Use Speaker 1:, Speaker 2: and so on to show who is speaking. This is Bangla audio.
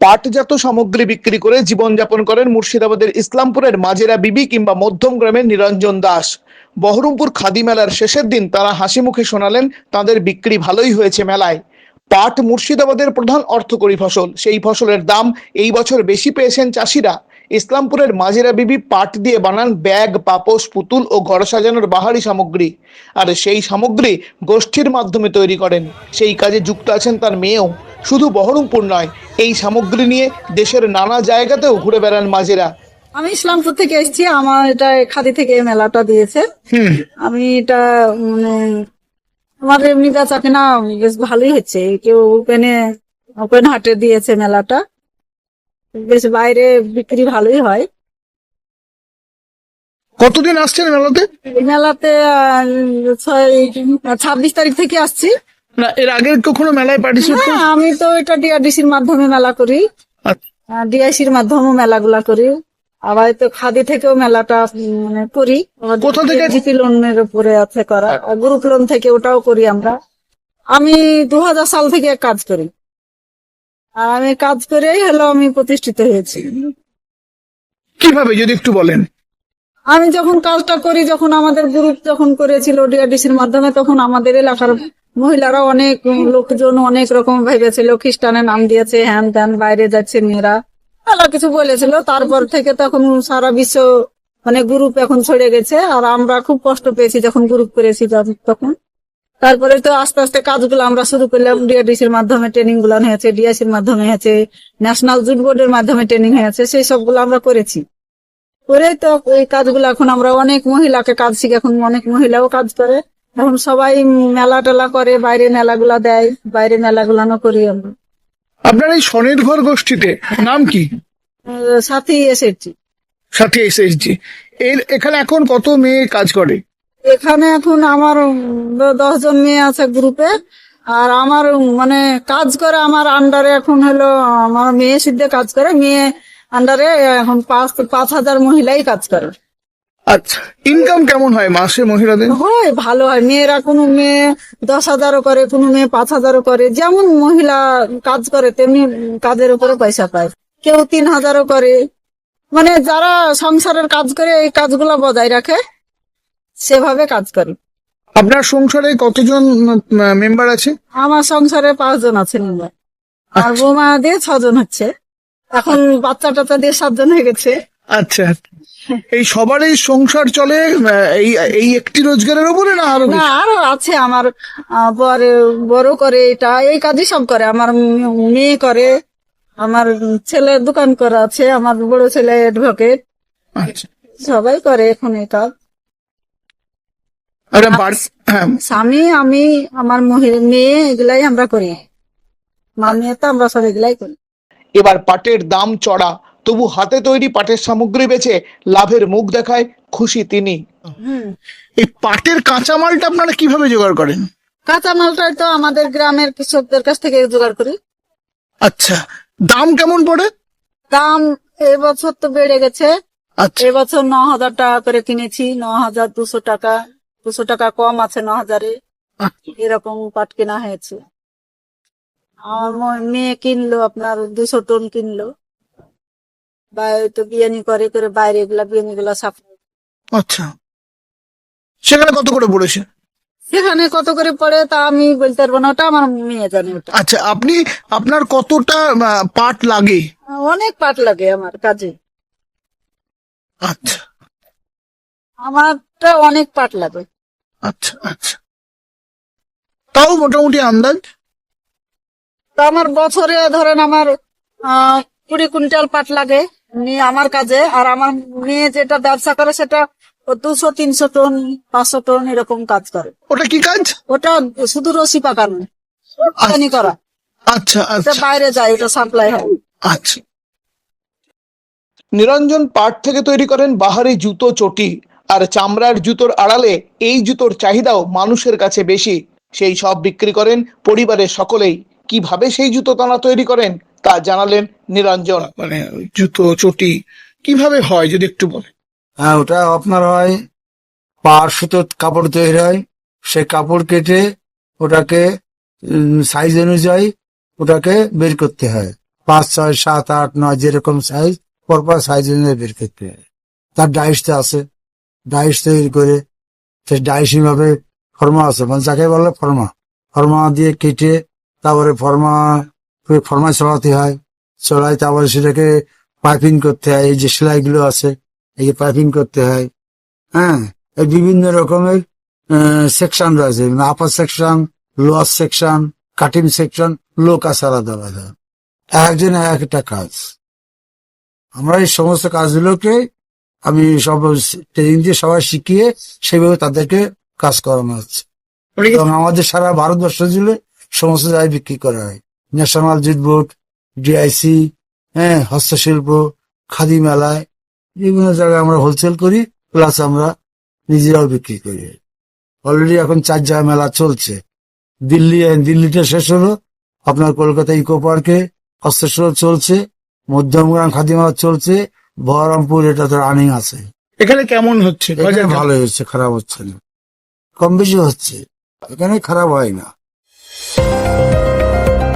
Speaker 1: পাটজাত সামগ্রী বিক্রি করে জীবনযাপন করেন মুর্শিদাবাদের ইসলামপুরের মাজেরা বিবি কিংবা মধ্যম গ্রামের নিরঞ্জন দাস। বহরমপুর খাদি মেলার শেষের দিন তারা হাসি মুখে শোনালেন তাদের বিক্রি ভালোই হয়েছে মেলায়। পাট মুর্শিদাবাদের প্রধান অর্থকরী ফসল, সেই ফসলের দাম এই বছর বেশি পেয়েছেন চাষিরা। ইসলামপুরের মাজেরা বিবি পাট দিয়ে বানান ব্যাগ, পাপোশ, পুতুল ও ঘর সাজানোর বাহারি সামগ্রী, আর সেই সামগ্রী গোষ্ঠীর মাধ্যমে তৈরি করেন। সেই কাজে যুক্ত আছেন তার মেয়েও। শুধু বহরমপুর নয়, এই সামগ্রী নিয়ে দেশের নানা জায়গাতেও ঘুরে বেড়ান মাজেরা।
Speaker 2: আমি ইসলামপুর থেকে এসেছি, আমার এটা খাদি থেকে মেলাটা দিয়েছে। আমি এটা মানে আমার এমনি বেচা কেনা বেশ ভালোই হচ্ছে। কেউ ওপেন হাটে দিয়েছে মেলাটা, বেশ বাইরে বিক্রি ভালোই হয়।
Speaker 1: কতদিন আসছেন মেলাতে?
Speaker 2: এই মেলাতে 26 তারিখ থেকে আসছি।
Speaker 1: না, এর আগে কখনো মেলায় পার্টিসিপেট?
Speaker 2: হ্যাঁ, আমি তো এটা ডিআরডিসির মাধ্যমে মেলা করি, ডিআইসির মাধ্যমে মেলাগুলা করি। আবার তো খাদি থেকেও মেলাটা মানে করি।
Speaker 1: কোথা থেকে?
Speaker 2: জিপি লোনের উপরে আছে করা, গ্রুপ লোন থেকে ওটাও করি আমরা। আমি 2000 সাল থেকে কাজ করি, আর আমি কাজ করেই আমি প্রতিষ্ঠিত হয়েছি।
Speaker 1: কিভাবে যদি একটু বলেন?
Speaker 2: আমি যখন কাজটা করি, যখন আমাদের গ্রুপ যখন করেছিল ডিআরডিসির মাধ্যমে, তখন আমাদের এলাকার মহিলারা অনেক লোকজন অনেক রকম ভেবেছিল, খ্রিস্টানের নাম দিয়েছে, হ্যান ত্যান, বাইরে যাচ্ছে মেয়েরা, আলাদা কিছু বলেছিল। তারপর থেকে তখন সারা বিশ্ব মানে গ্রুপ এখন ছড়ে গেছে, আর আমরা খুব কষ্ট পেয়েছি যখন গ্রুপ করেছি তখন। তারপরে তো আস্তে আস্তে কাজগুলো আমরা শুরু করলাম। ডিআরডিসির মাধ্যমে ট্রেনিং গুলো হয়েছে, ডিআইসির মাধ্যমে হয়েছে, ন্যাশনাল জুট বোর্ডের মাধ্যমে ট্রেনিং হয়েছে, সেই সবগুলো আমরা করেছি। করে তো এই কাজগুলো এখন আমরা অনেক মহিলাকে কাজ শিখে, এখন অনেক মহিলাও কাজ করে। এখন সবাই মেলা টেলা করে, বাইরে মেলাগুলা দেয়, বাইরে মেলাগুলানো করি আমরা।
Speaker 1: আপনার এই স্বনির্ভর গোষ্ঠীতে নাম কি?
Speaker 2: সাথী এসেছি।
Speaker 1: সাথী এসএসজি। এখানে এখন কত মেয়ে কাজ করে?
Speaker 2: এখানে এখন আমার 10 জন মেয়ে আছে গ্রুপে, আর আমার মানে কাজ করে আমার আন্ডারে এখন আমার মেয়ে সিদ্ধে কাজ করে। মেয়ে আন্ডারে এখন 5,000 মহিলাই কাজ করে।
Speaker 1: আচ্ছা, ইনকাম কেমন হয় মাসে মহিলাদের?
Speaker 2: হয়, ভালো হয়। মেয়েরা কোনো মেয়ে 10,000ও করে, কোনো মেয়ে 5,000ও করে। যেমন মহিলা কাজ করে তেমনি কাজের উপরে পয়সা পায়। কেউ 3,000ও করে। মানে যারা সংসারের কাজ করে, এই কাজগুলা বজায় রাখে, সেভাবে কাজ করে।
Speaker 1: আপনার সংসারে কতজন মেম্বার আছে?
Speaker 2: আমার সংসারে 5 জন আছে মেম্বার, আর বৌমা দিয়ে 6 জন হচ্ছে। এখন বাচ্চা টাচ্চা দিয়ে 7 জন হয়ে গেছে।
Speaker 1: আচ্ছা, এই সবারই সংসার চলে এই একটি রোজগারের উপরে, না আরো?
Speaker 2: না, আরো আছে। আমার বড় করে এটা, এই কাজই সব করে। আমার মেয়ে করে, আমার ছেলের দোকান করা আছে, আমার বড় ছেলে অ্যাডভোকেট।
Speaker 1: আচ্ছা,
Speaker 2: সবাই করে এখন এই কাজ। স্বামী, আমি, আমার মেয়ে, এগুলাই আমরা করি। মা মেয়ে তো আমরা সব এগুলাই করি।
Speaker 1: এবার পাটের দাম চড়া, তবু হাতে তৈরি পাটের সামগ্রী বেচে লাভের মুখ দেখায় খুশি তিনি। এই পাটের কাঁচামালটা আপনারা কিভাবে জোগাড় করেন?
Speaker 2: কাঁচামালটাই তো আমাদের গ্রামের কৃষকদের কাছ থেকে জোগাড় করি।
Speaker 1: আচ্ছা, দাম কেমন পড়ে?
Speaker 2: দাম এবছর তো বেড়ে গেছে।
Speaker 1: আচ্ছা,
Speaker 2: এবছর 9,000 টাকা করে কিনেছি। 9,200 টাকা, 200 টাকা কম আছে 9,000-এ। এরকম পাট কেনা হয়েছে। আমার মেয়ে কিনলো আপনার 200 টন কিনলো। তো বিয়ানি করে বাইরে এগুলা বিয়ানি গুলা সাফ।
Speaker 1: আচ্ছা, সেখানে কত করে পড়েছে?
Speaker 2: সেখানে কত করে পড়ে তা আমি বলতে পারবো না, ওটা আমার মেয়ে জানে। ওটা
Speaker 1: আচ্ছা, আপনার কতটা পাট লাগে?
Speaker 2: অনেক পাট লাগে আমার কাজে।
Speaker 1: আচ্ছা,
Speaker 2: আমারটা অনেক পাট লাগে।
Speaker 1: আচ্ছা আচ্ছা, তাও মোটামুটি আন্দাজ?
Speaker 2: তো আমার বছরে ধরেন আমার 20 কুইন্টাল পাট লাগে আমার কাজে। আর আমার মেয়ে যেটা ব্যবসা করে সেটা 200-300 টন, 500 টন এরকম কাজ করে।
Speaker 1: ওটা কি কাজ?
Speaker 2: ওটা শুধু রশি পাকানো, করা।
Speaker 1: আচ্ছা
Speaker 2: আচ্ছা, বাইরে যায়, ওটা সাপ্লাই হয়।
Speaker 1: আচ্ছা। নিরঞ্জন পাট থেকে তৈরি করেন বাহারি জুতো, চটি, আর চামড়ার জুতোর আড়ালে এই জুতোর চাহিদাও মানুষের কাছে বেশি। সেই সব বিক্রি করেন পরিবারের সকলেই। কিভাবে সেই জুতো তারা তৈরি করেন তা জানালেন নিরঞ্জন। মানে জুতো চটি কিভাবে হয় যদি একটু বলেন?
Speaker 3: হ্যাঁ, ওটা আপনার হয় পাড় সুতোর কাপড় তৈরি হয়। সেই কাপড় কেটে ওটাকে সাইজ অনুযায়ী ওটাকে বের করতে হয়। 5, 6, 7, 8, 9 যেরকম সাইজ পরপর সাইজ অনুযায়ী বের করতে হয়। তার ডাইসটা আছে, ডাইস তৈরি করে সেই ডাইস ভাবে ফর্মা আছে, মানে যাকে বলে ফর্মা দিয়ে কেটে তারপরে ফর্মা চড়াতে হয়, চড়াই তারপরে সেটাকে পাইপিং করতে হয়। এই যে সেলাইগুলো আছে, এই যে পাইপিং করতে হয়। হ্যাঁ, এই বিভিন্ন রকমের সেকশন রয়েছে, upper section, lower section, cutting section, লোক আছে আলাদা আলাদা, একজন এক একটা কাজ। আমরা এই সমস্ত কাজগুলোকে আমি সব ট্রেনিং দিয়ে সবাই শিখিয়ে সেইভাবে তাদেরকে কাজ করানো হচ্ছে। এবং আমাদের সারা ভারতবর্ষ জুড়ে সমস্ত জায়গায় বিক্রি করা হয়। ন্যাশনাল জুট বোর্ড, ডিআইসি, হ্যাঁ, হস্তশিল্প, খাদি মেলায় বিভিন্ন জায়গায় আমরা হোলসেল করি, প্লাস আমরা নিজেরাও বিক্রি করি। অলরেডি এখন 4 জায়গায় মেলা চলছে। দিল্লিটা শেষ হলো, আপনার কলকাতা ইকো পার্কে হস্তশিল্প চলছে, মধ্যমগ্রাম খাদি মেলা চলছে, বহরমপুর এটা তো রানিং আছে।
Speaker 1: এখানে কেমন হচ্ছে?
Speaker 3: এখানে ভালো হচ্ছে, খারাপ হচ্ছে না, কম বেশি হচ্ছে, এখানে খারাপ হয় না।